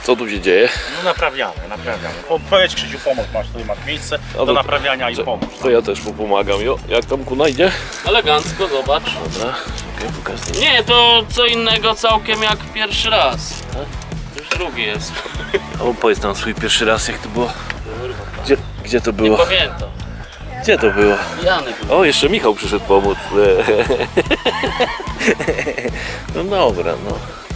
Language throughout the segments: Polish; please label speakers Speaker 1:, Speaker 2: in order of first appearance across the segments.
Speaker 1: Co tu się dzieje?
Speaker 2: No naprawiamy. Powiedz Krzysiu, pomóż, tutaj masz miejsce do naprawiania i pomóż.
Speaker 1: To ja też mu pomagam. Jo, jak tam Kuna idzie?
Speaker 3: Elegancko, zobacz.
Speaker 1: Dobra, okej, pokaż.
Speaker 3: Nie, to co innego całkiem jak pierwszy raz. Już drugi jest.
Speaker 1: O, powiedz nam swój pierwszy raz, jak to było. Gdzie to
Speaker 3: Nie
Speaker 1: było?
Speaker 3: pamiętam.
Speaker 1: Gdzie to było?
Speaker 3: Pijany był.
Speaker 1: O, jeszcze Michał przyszedł pomóc. No dobra, no.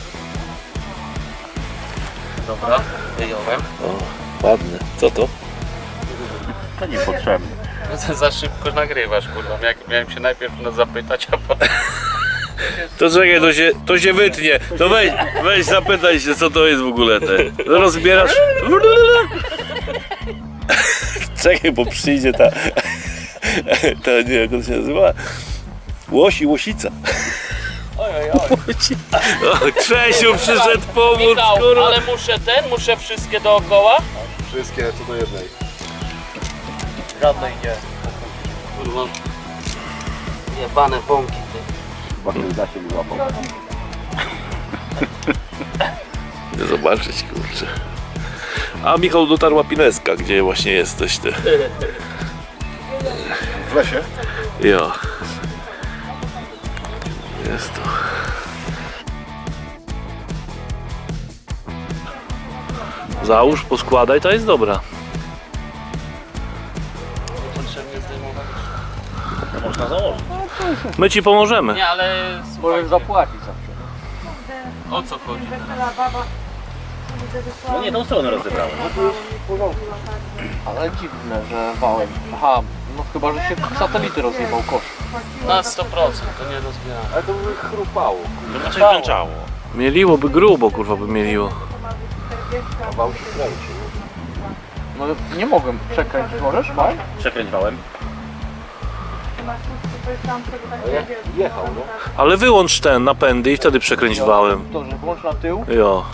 Speaker 3: Dobra, wyjąłem.
Speaker 1: O, ładne. Co to?
Speaker 2: To niepotrzebne.
Speaker 3: Za szybko nagrywasz, kurwa. Miałem się najpierw zapytać, a potem...
Speaker 1: To czekaj, to się wytnie. To weź zapytaj się, co to jest w ogóle te. Rozbierasz. Czekaj, bo przyjdzie ta nie, jak to się nazywa? Łoś i łosica.
Speaker 3: Ojej.
Speaker 1: O, Czesiu przyszedł pomóc,
Speaker 3: Michał,
Speaker 1: kurwa.
Speaker 3: ale muszę wszystkie dookoła?
Speaker 4: Wszystkie co do jednej.
Speaker 2: Żadnej nie.
Speaker 3: Kurwa. Jebane bąki, ty.
Speaker 4: Chyba ten zasięg mi łapał.
Speaker 1: Chcę zobaczyć, kurczę. A Michał dotarł Łapineska, gdzie właśnie jesteś ty.
Speaker 4: W lesie?
Speaker 1: Jo. Jest to. Załóż, poskładaj, to jest dobra.
Speaker 3: Niepotrzebnie zdejmować.
Speaker 2: To można założyć.
Speaker 1: My ci pomożemy.
Speaker 3: Nie, ale
Speaker 5: Możesz zapłacić zawsze.
Speaker 3: o co chodzi?
Speaker 2: No nie, tą stronę rozebrałem.
Speaker 5: Ale dziwne, że wałem. Aha, no chyba, że się satelity rozjebał kosz.
Speaker 3: Na 100%, to nie rozbieramy.
Speaker 5: Ale to by chrupało.
Speaker 2: To znaczy wręczało.
Speaker 1: Mieliłoby grubo, kurwa by mieliło.
Speaker 5: A wał się kręci. No nie mogłem przekręcić, możesz, Maj?
Speaker 2: Przekręć wałem.
Speaker 5: Jechał, no.
Speaker 1: Ale wyłącz ten napędy i wtedy przekręć wałem.
Speaker 5: To, że włącz na tył.
Speaker 1: Jo.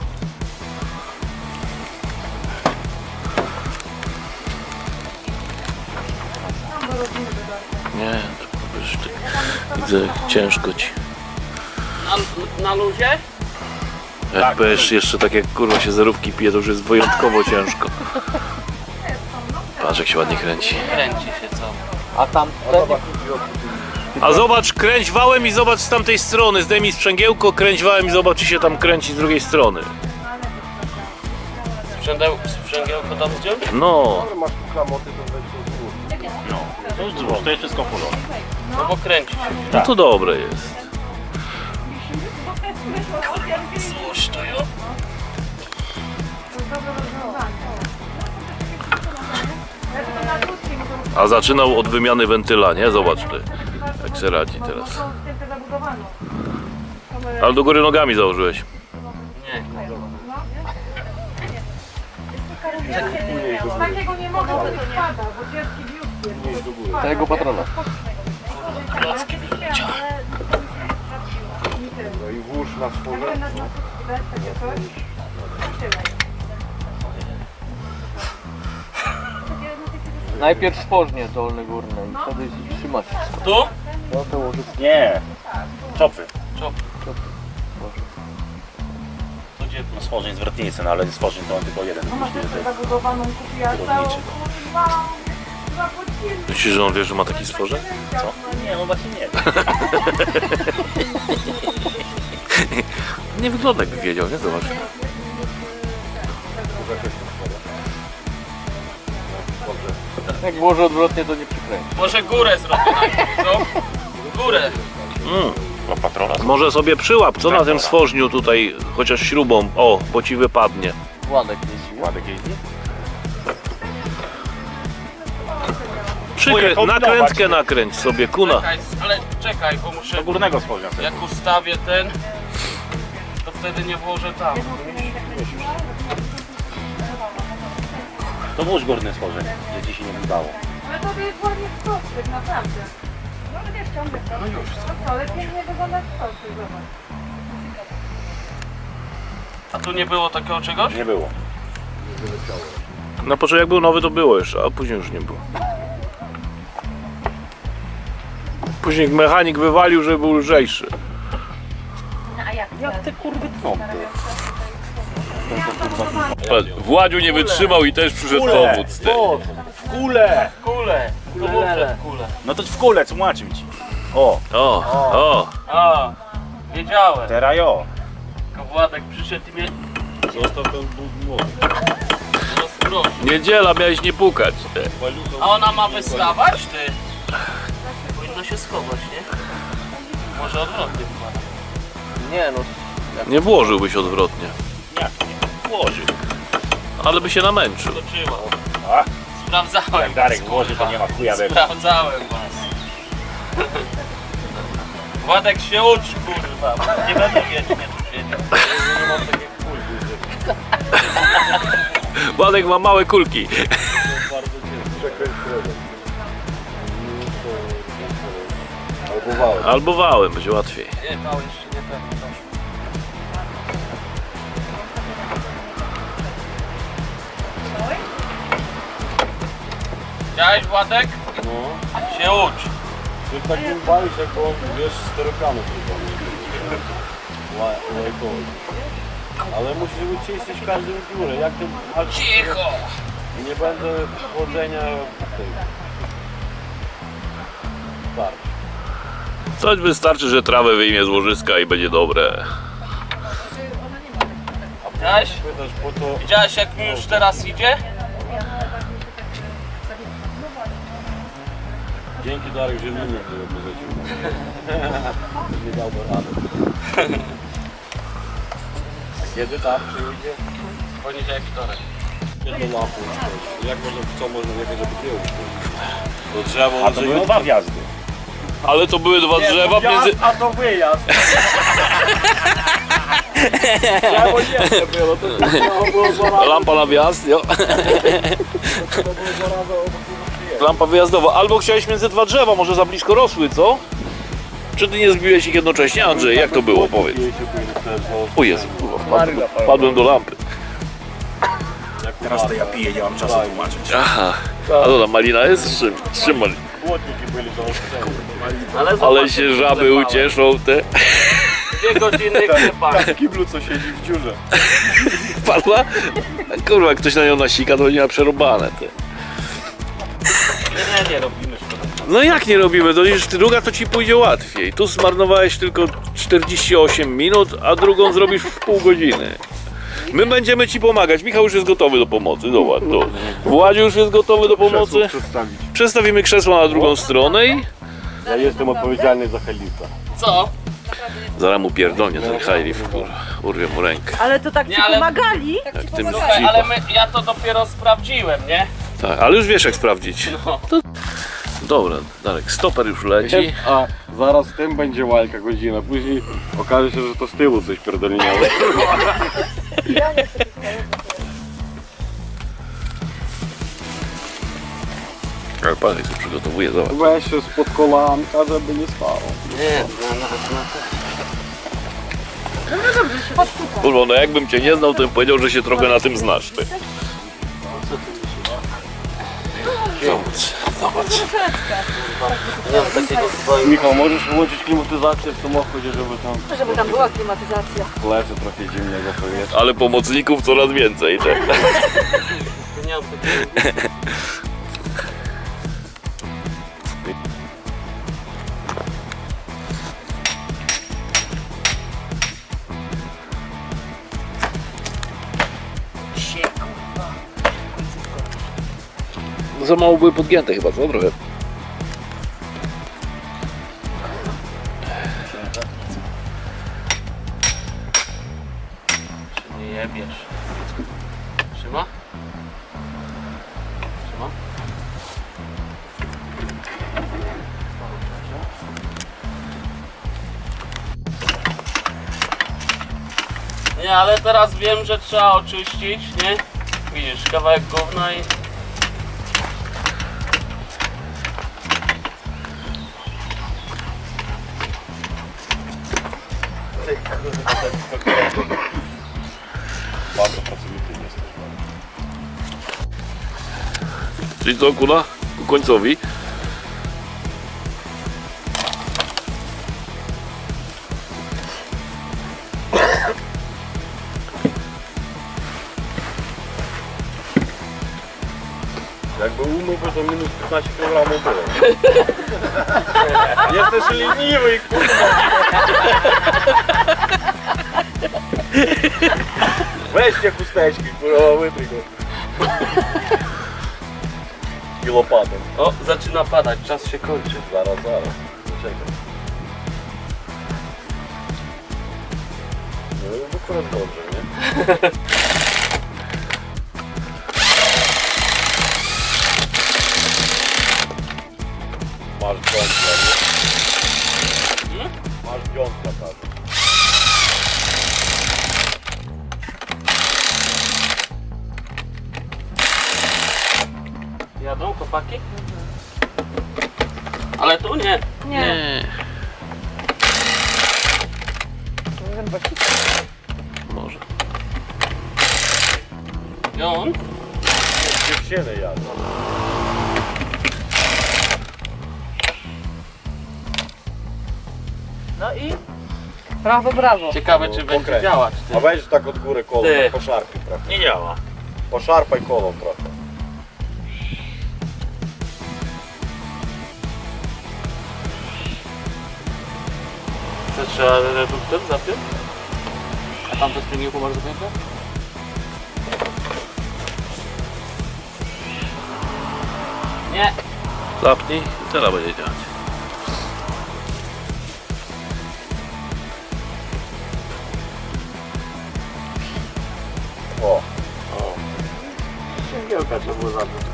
Speaker 1: Nie, to już tak widzę, ciężko ci.
Speaker 3: Na luzie?
Speaker 1: Jak będziesz jeszcze tak jak kurwa się zerówki pije, to już jest wyjątkowo ciężko. Patrz jak się ładnie kręci.
Speaker 3: Kręci się co?
Speaker 5: A tam
Speaker 1: A zobacz, kręć wałem i zobacz z tamtej strony. Zdejmij sprzęgiełko, kręć wałem i zobacz czy się tam kręci z drugiej strony.
Speaker 3: Sprzęgiełko tam zdjąć?
Speaker 1: No.
Speaker 4: Ale masz tu klamoty, to weź to złóż.
Speaker 2: No. To już złóż, to jest wszystko porządku.
Speaker 3: No bo kręci się.
Speaker 1: No to dobre jest.
Speaker 3: Złóż to jo.
Speaker 1: A zaczynał od wymiany wentyla, nie? Zobacz ty, jak się radzi teraz. Ale do góry nogami założyłeś.
Speaker 3: Nie.
Speaker 6: Takiego nie mogę, bo to spada, bo dziecki biust jest.
Speaker 5: tego patrona.
Speaker 3: Klocki wyleciały.
Speaker 4: No i włóż na stworze.
Speaker 5: Najpierw stworznie dolne górne i wtedy trzymać wszystko.
Speaker 3: Tu?
Speaker 5: No to łożyć.
Speaker 2: Nie. Czopy.
Speaker 3: Tu gdzie?
Speaker 2: No stworzeń zwrotnicy, no ale stworzeń to on tylko jeden.
Speaker 6: Mama też zabudowaną kupiła całą.
Speaker 1: Myślisz, że on wie, że ma taki stworze?
Speaker 2: Co? Nie, no właśnie nie.
Speaker 1: Nie wygląda jakby wiedział, nie? Zobacz.
Speaker 5: Jak włożę odwrotnie, to nie przykręci.
Speaker 3: Może górę zrobię najpierw, co? Górę.
Speaker 2: No patrona.
Speaker 1: Może sobie przyłap, co na tym stworzniu tutaj, chociaż śrubą, o, bo ci wypadnie.
Speaker 5: Władek jeździ.
Speaker 2: Władek jeździ?
Speaker 1: Nakrętkę nakręć sobie, kuna.
Speaker 3: Czekaj, ale czekaj, bo muszę...
Speaker 2: Do górnego stworzenia.
Speaker 3: Jak ustawię ten, to wtedy nie włożę tam.
Speaker 2: To włóż górne stworzenie, że ci się nie wydało.
Speaker 6: Ale to jest ładnie w kostek, naprawdę. No ale wiesz, ciągle to. No już. No co, ale pięknie wygląda w kostek, zobacz.
Speaker 3: A tu nie było takiego czegoś?
Speaker 2: Nie było.
Speaker 1: Na początku jak był nowy to było jeszcze, a później już nie było. Później mechanik wywalił, żeby był lżejszy.
Speaker 6: No a jak?
Speaker 2: Jak te kurwy tnąty.
Speaker 1: Władziu nie wytrzymał i też przyszedł pomóc. Ty.
Speaker 2: Kule!
Speaker 3: Kule. Kule.
Speaker 2: No to w kule, tłumaczę ci. O,
Speaker 1: O,
Speaker 3: A, wiedziałem.
Speaker 2: teraz jo.
Speaker 3: Tylko Władek przyszedł i mnie
Speaker 4: Zostaw ten młody.
Speaker 3: rozproszył.
Speaker 1: niedziela, miałeś nie pukać. Ty.
Speaker 3: A ona ma wystawać, ty? Powinno się schować, nie? Może odwrotnie chyba.
Speaker 5: Nie no,
Speaker 1: Nie włożyłbyś odwrotnie,
Speaker 2: Jak nie? Włożył.
Speaker 1: ale by się namęczył.
Speaker 3: Skoczyła.
Speaker 2: A,
Speaker 3: Sprawdzałem.
Speaker 2: jak Darek
Speaker 3: was,
Speaker 2: włoży, to
Speaker 3: kurwa.
Speaker 2: nie ma chuja we mnie.
Speaker 3: Sprawdzałem was. Władek się uczy, kurwa. Nie będę wiecznie tu siedział.
Speaker 1: Władek ma małe kulki.
Speaker 4: Przekręć środek. Albo wałem.
Speaker 1: Albo wałem, będzie łatwiej.
Speaker 3: Nie, mały jeszcze nie ten. Widziałeś, Władek?
Speaker 4: No.
Speaker 3: Się ucz.
Speaker 4: Ty tak nie bawisz, jak on, wiesz, sterokamy tylko. Lajkowy. Ale musisz wyczyścić każdą dziurę. Jak ty...
Speaker 3: Cicho!
Speaker 4: Nie będę chłodzenia tej... tarcz.
Speaker 1: Coś wystarczy, że trawę wyjmie z łożyska i będzie dobre.
Speaker 3: Widziałeś?
Speaker 4: Pytasz po to...
Speaker 3: Widziałeś, jak mi już teraz idzie?
Speaker 4: Dzięki Darek, że mnie nie wyrzucił. Nie dałby rady. Kiedy tak przyjdzie?
Speaker 3: Poniedziałek, wtorek.
Speaker 4: Nie do lampy. Jak można, co można jechać, żeby kiełki? To drzewo
Speaker 2: A to były dwa wjazdy.
Speaker 1: Ale to były dwa drzewa między...
Speaker 5: a to wyjazd.
Speaker 4: Drzewo nie było, to było dwa razy.
Speaker 1: Lampa na wjazd, jo.
Speaker 4: To było dwa razy obok przyjechać.
Speaker 1: Lampa wyjazdowa. Albo chciałeś między dwa drzewa, może za blisko rosły, co? Czy ty nie zbiłeś ich jednocześnie? Andrzej, jak to było? Powiedz. O Jezu, kurwa, wpadłem do lampy.
Speaker 2: Teraz to ja piję, nie mam czasu tłumaczyć.
Speaker 1: Aha. A to ta malina jest? Z czym malina?
Speaker 4: Płotniki byli zaostrzeni.
Speaker 3: Ale,
Speaker 1: Ale
Speaker 3: zobacz,
Speaker 1: się
Speaker 3: jak
Speaker 1: żaby
Speaker 3: wlepałem.
Speaker 1: ucieszą te.
Speaker 3: 2 godziny klepania.
Speaker 4: W kiblu co siedzi w dziurze.
Speaker 1: Padła? Kurwa, jak ktoś na nią nasika, to nie ma przerobane te.
Speaker 3: Nie robimy szkoda.
Speaker 1: No jak nie robimy? To już druga to ci pójdzie łatwiej. Tu zmarnowałeś tylko 48 minut, a drugą zrobisz w pół godziny. My będziemy ci pomagać. Michał już jest gotowy do pomocy. Zobacz, to. Władziu już jest gotowy do pomocy.
Speaker 4: Przedstawić.
Speaker 1: Przestawimy krzesło na drugą stronę i...
Speaker 4: Ja jestem odpowiedzialny za Helita.
Speaker 3: Co?
Speaker 1: Zaraz mu pierdolnie ten high kurwa. Urwie mu rękę.
Speaker 6: Ale to tak ci
Speaker 3: Nie, ale-
Speaker 6: pomagali?
Speaker 1: Jak tym
Speaker 3: Słuchaj, ale ja to dopiero sprawdziłem, nie?
Speaker 1: Tak, ale już wiesz jak sprawdzić.
Speaker 3: No.
Speaker 1: Dobra, Darek, stoper już leci.
Speaker 4: A zaraz z tym będzie walka godzina. Później okaże się, że to z tyłu coś pierdolniało.
Speaker 1: Ale pan jak się przygotowuje, zobacz.
Speaker 4: Weź się spod kolanka, żeby nie stało.
Speaker 3: Nie,
Speaker 1: Kurwa, no jakbym cię nie znał, to bym powiedział, że się trochę na tym znasz. Ty. Zobacz.
Speaker 4: Michał, możesz wyłączyć klimatyzację w samochodzie, żeby tam
Speaker 6: Żeby tam była klimatyzacja.
Speaker 4: w lesie trochę zimnego powietrza.
Speaker 1: Ale pomocników coraz więcej. Tak?
Speaker 3: nie mam takiego.
Speaker 1: Za mało były podgięte chyba, co? Trochę.
Speaker 3: Nie jebiesz. Trzyma? Trzyma? Nie, ale teraz wiem, że trzeba oczyścić, nie? Widzisz, kawałek gówna i...
Speaker 4: Bardzo pracowity jesteś.
Speaker 1: Czyli co, kuna? Ku końcowi.
Speaker 4: Jakby umył, to minus 15 kg było. Jesteś leniwy, kurwa. Weźcie chusteczki, kurwa, wytryj go. I łopatą.
Speaker 3: O, zaczyna padać, czas się kończy.
Speaker 4: Zaraz. Poczekaj. No i akurat dobrze, nie? Masz dziątla, nie? Masz dziątla, tak.
Speaker 3: Jadą chłopaki? Ale tu nie.
Speaker 6: Nie.
Speaker 1: Może.
Speaker 3: Jon?
Speaker 4: Dziewczyny jadą.
Speaker 6: No i? Brawo, brawo.
Speaker 3: Ciekawe czy będzie
Speaker 4: Pokręć.
Speaker 3: działać.
Speaker 4: A weź tak od góry kolą,
Speaker 3: Ty.
Speaker 4: poszarpij trochę.
Speaker 2: Nie działa.
Speaker 4: Poszarpaj kolą trochę.
Speaker 3: To trzeba reduktor zapiąć? A tam to z tym masz zapięte? Nie.
Speaker 1: Zapnij i teraz będzie działać.
Speaker 4: O.
Speaker 3: Sięgiełka trzeba było zapiąć.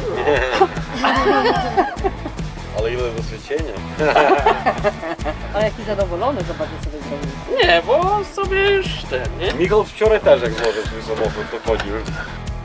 Speaker 4: Ale ile wyświecenia?
Speaker 6: Ale jaki zadowolony, zobaczcie sobie zrobił.
Speaker 3: Nie, bo sobie już ten, nie?
Speaker 4: Michał wczoraj też jak złożył swój samochód, to chodził.